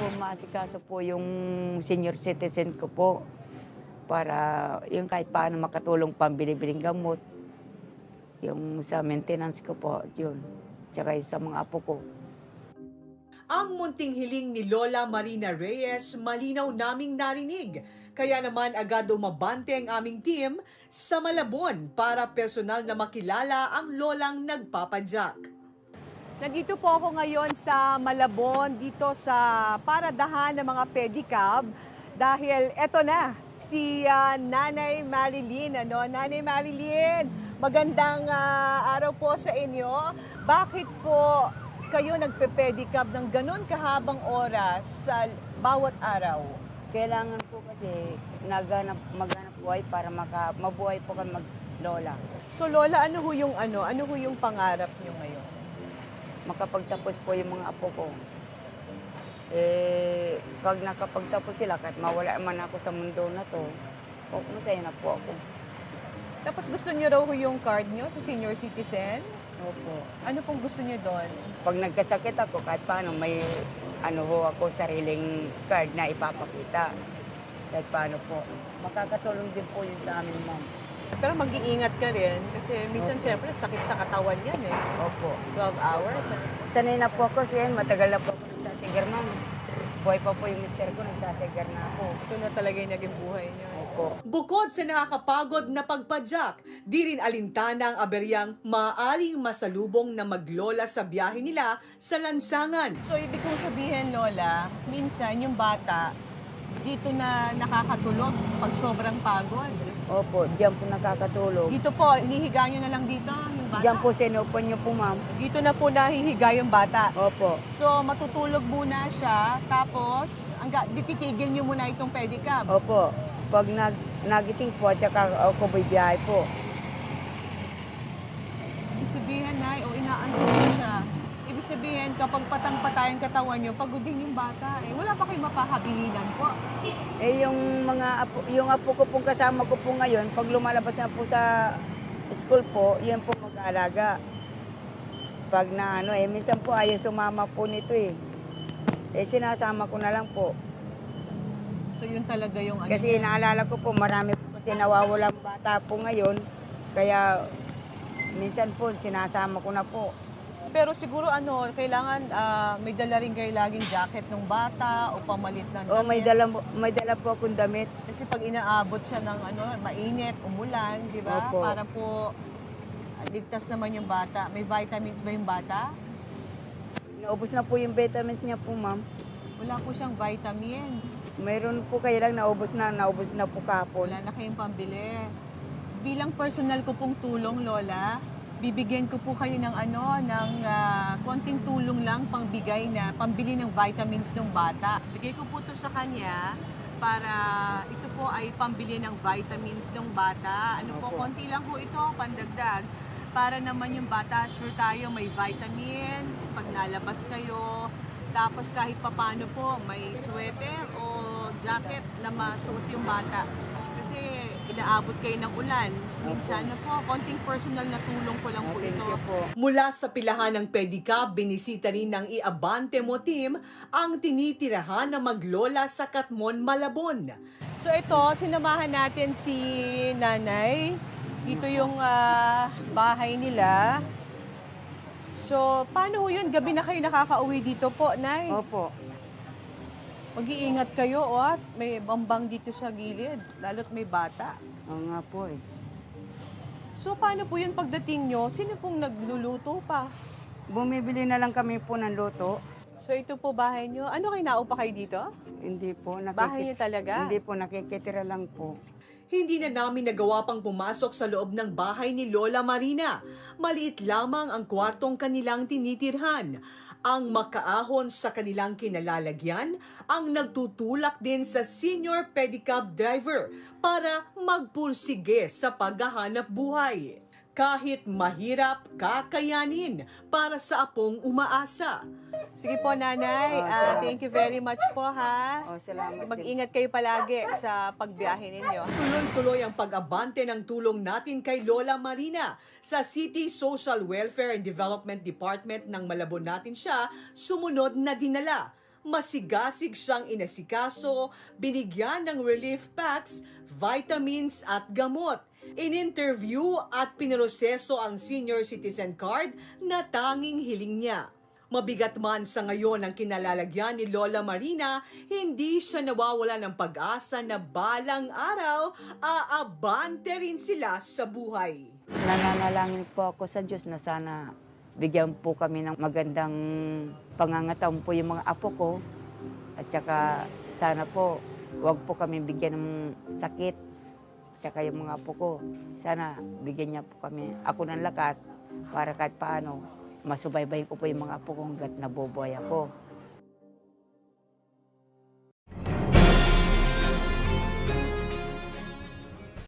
maasikaso po yung senior citizen ko po para yung kahit paano makatulong pambili-biling gamot. Yung sa maintenance ko po, yun. Tsaka yung sa mga apo ko. Ang munting hiling ni Lola Marina Reyes malinaw naming narinig. Kaya naman agad umabante ang aming team sa Malabon para personal na makilala ang lolang nagpapadyak. Nandito po ako ngayon sa Malabon, dito sa paradahan ng mga pedicab dahil eto na si Nanay Marilyn. Nanay Marilyn, magandang araw po sa inyo. Bakit po kayo nagpe-pedicab ng ganun kahabang oras sa bawat araw? Kailangan po kasi maghanap buhay para mabuhay po kami maglola. So Lola, ano ho yung pangarap niyo ngayon? Makapagtapos po yung mga apo ko. Pag nakapagtapos sila, kahit mawala man ako sa mundo na to, masaya na po ako. Tapos gusto niyo raw ho yung card niyo sa senior citizen? Opo. Ano pong gusto niyo doon? Pag nagkasakit ako, kahit paano may ako, sariling card na ipapakita. Kahit paano po. Makakatulong din po yun sa amin, ma'am. Pero mag-iingat ka rin kasi minsan Opo. siyempre sakit sa katawan yan eh. Opo. 12 hours. Sanay na po ako siya, matagal na po ako nagsasigar, ma'am. Buhay pa po yung mister ko, nagsasigar na ako. Ito na talaga yung naging buhay niyo. Opo. Bukod sa nakakapagod na pagpadyak, di rin alintana ang aberyang maaaring masalubong na maglola sa biyahe nila sa lansangan. So ibig kong sabihin, Lola, minsan yung bata dito na nakakatulog pag sobrang pagod. Opo, diyan po nakakatulog. Dito po, inihiga nyo na lang dito yung bata. Diyan po sinupan niyo po, ma'am. Dito na po nahihiga yung bata. Opo. So matutulog muna siya, tapos titigil nyo muna itong pedicab. Opo. Pag nagising po, tsaka ako bibiyahe po. Ibig sabihin, Nay, o inaantok mo siya. Ibig sabihin, kapag patang-patay ang katawan nyo, pagod din yung bata. Wala pa kayong mapahabilinan po. Yung apo ko pong kasama ko po ngayon, pag lumalabas na po sa school po, yun po mag-aalaga. Pag minsan po ayaw sumama po nito eh. Sinasama ko na lang po. So yun talaga yung Kasi naalala ko po, marami po kasi nawawalang bata po ngayon. Kaya minsan po, sinasama ko na po. Pero siguro kailangan may dala rin kayo laging jacket ng bata o pamalit ng O damit. may dala po akong damit. Kasi pag inaabot siya ng mainit, umulan, di ba? Opo. Para po ligtas naman yung bata. May vitamins ba yung bata? Naubos na po yung vitamins niya po, ma'am. Wala po siyang vitamins. Mayroon po kayo lang, naubos na po kahapon. Wala na kayong pambili. Bilang personal ko pong tulong, Lola, bibigyan ko po kayo ng konting tulong lang pambili ng vitamins ng bata. Bigay ko po to sa kanya para ito po ay pambili ng vitamins ng bata. Opo. Konti lang po ito, pandagdag. Para naman yung bata, sure tayo may vitamins pag nalabas kayo. Tapos kahit papano po, may sweater o jacket na masuot yung bata. Kasi inaabot kayo ng ulan. Minsan konting personal na tulong ko lang po Thank ito. you po. Mula sa pilahan ng pedicab, binisita rin ng Iabante Mo team ang tinitirahan na maglola sa Katmon, Malabon. So ito, sinamahan natin si Nanay. Dito yung bahay nila. So, paano ho yun? Gabi na kayo nakakauwi dito po, Nay? Opo. Mag-iingat kayo, at may bambang dito sa gilid, lalo't may bata. Oo nga po eh. So, paano po yun pagdating nyo? Sino pong nagluluto pa? Bumibili na lang kami po ng luto. So, ito po bahay nyo. Ano kayo, naupa kayo dito? Hindi po. Bahay nyo talaga? Hindi po, nakikitira lang po. Hindi na namin nagawa pang pumasok sa loob ng bahay ni Lola Marina. Maliit lamang ang kwartong kanilang tinitirhan. Ang makaahon sa kanilang kinalalagyan ang nagtutulak din sa senior pedicab driver para magpursige sa paghahanap buhay. Kahit mahirap, kakayanin para sa apong umaasa. Sige po, Nanay. Salamat. Thank you very much po, ha? Salamat din. Mag-ingat kayo palagi sa pagbiyahe ninyo. Tuloy-tuloy ang pag-abante ng tulong natin kay Lola Marina. Sa City Social Welfare and Development Department ng Malabon natin siya, sumunod na dinala. masigasig siyang inasikaso, binigyan ng relief packs, vitamins at gamot. In-interview at pinroseso ang senior citizen card na tanging hiling niya. Mabigat man sa ngayon ang kinalalagyan ni Lola Marina, hindi siya nawawala ng pag-asa na balang araw, aabante rin sila sa buhay. Nananalangin po ako sa Diyos na sana bigyan po kami ng magandang pangangataon po yung mga apo ko. At saka sana po wag po kami bigyan ng sakit. At saka yung mga apo ko, sana bigyan niya po kami ako ng lakas para kahit paano masubaybay ko po yung mga apo ko hanggat nabubuhay ako.